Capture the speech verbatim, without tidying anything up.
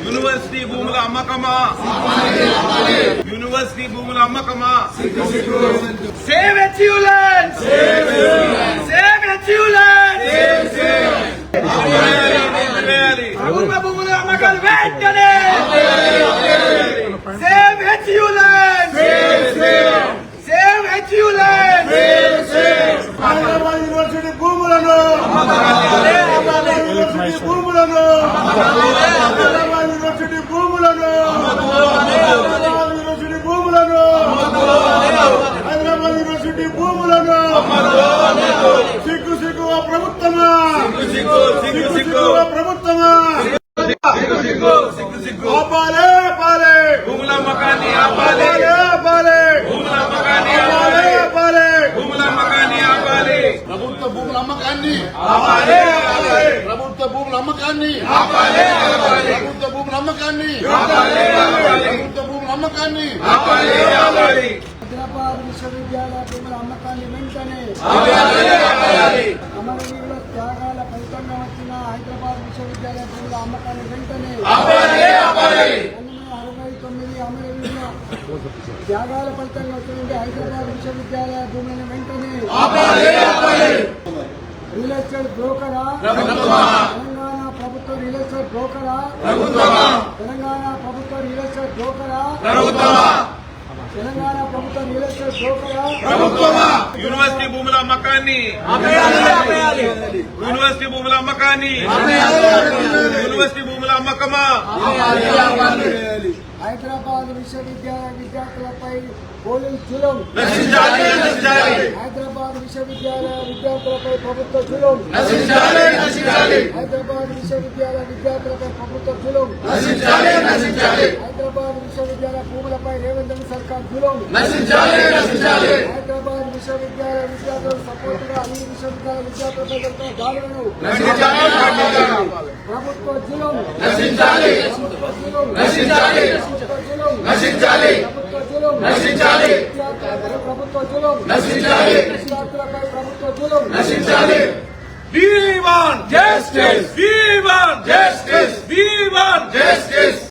University భూముల అమ్మకమా university భూముల అమ్మకమా సేవ్ అచీవ్మెంట్ సేవ్ అచీవ్మెంట్ ప్రభుత్వ భూముల అమ్మకాలు వెంటనే save achievement save achievement Hyderabad university భూములను యూనివర్సిటీ భూములను హైదరాబాద్ యూనివర్సిటీ భూములను హైదరాబాద్ యూనివర్సిటీ భూములను హైదరాబాద్ యూనివర్సిటీ భూములను సిగ్గు సిగ్గు ప్రభుత్వమా సిగ్గు సిగ్గు ప్రభుత్వమా ఆపాలే ఆపాలే భూముల అమ్మకాన్ని ఆపాలి ఆపాలే భూముల అమ్మకాన్ని ఆపాలే ఆపాలే భూముల అమ్మకాన్ని ఆపాలి ప్రభుత్వ భూముల అమ్మకాన్ని ఆపాలి ప్రభుత్వ భూముల అమ్మకాన్ని ఆపాలి ప్రభుత్వ భూముల అమ్మకాన్ని ఆపాలి ప్రభుత్వ భూముల అమ్మకాన్ని ఆపాలి ఆపాలి హైదరాబాద్ విశ్వవిద్యాలయ భూముల అమ్మకాన్ని వెంటనే ఆపాలి అమరవీరుల త్యాగాల ఫలితంగా వచ్చిన హైదరాబాద్ విశ్వవిద్యాలయ భూముల అమ్మకాన్ని వెంటనే ఆపాలి ఆపాలి పంతొమ్మిది అరవై తొమ్మిది అమరవీరుల త్యాగాల ఫలితంగా వచ్చిన హైదరాబాద్ విశ్వవిద్యాలయ భూములను వెంటనే ఆపాలి ఆపాలి రియల్ ఎస్టేట్ బ్రోకరా తెలంగాణ ప్రభుత్వ రియల్ ఎస్టేట్ బ్రోకరా ప్రభుత్వమా తెలంగాణ ప్రభుత్వ రియల్ ఎస్టేట్ బ్రోకరా ప్రభుత్వమా తెలంగాణ ప్రభుత్వ రియల్ ఎస్టేట్ బ్రోకరా ప్రభుత్వమా యూనివర్సిటీ భూముల అమ్మకాన్ని యూనివర్సిటీ భూముల అమ్మకాన్ని యూనివర్సిటీ భూముల అమ్మకమా హైదరాబాద్ విశ్వవిద్యాలయ విద్యార్థులపై పోలీస్ జులుం నశించాలి నశించాలి హైదరాబాద్ విశ్వవిద్యాలయ విద్యార్థులపై ప్రభుత్వ జులుం నశించాలి నశించాలి హైదరాబాద్ విశ్వవిద్యాలయ విద్యార్థులపై ప్రభుత్వ జులుం నశించాలి నశించాలి హైదరాబాద్ విశ్వవిద్యాలయ భూములపై రేవంత్ రెడ్డి సర్కార్ జులుం నశించాలి నశించాలి హైదరాబాద్ విశ్వవిద్యాలయ విద్యార్థులకు సపోర్ట్ గా అన్ని విశ్వవిద్యాలయ విద్యార్థులపై జరుగుతున్న దాడులను నశించాలి ప్రభుత్వ జులుం నశించాలి ప్రభుత్వ జులుం నశించాలి ప్రభుత్వ జులుం నశించాలి ప్రభుత్వ జులుం నశించాలి విద్యార్థులపై ప్రభుత్వ జులుం నశించాలి విద్యార్థులపై ప్రభుత్వ జులుం నశించాలి We want justice. We want justice. We want justice.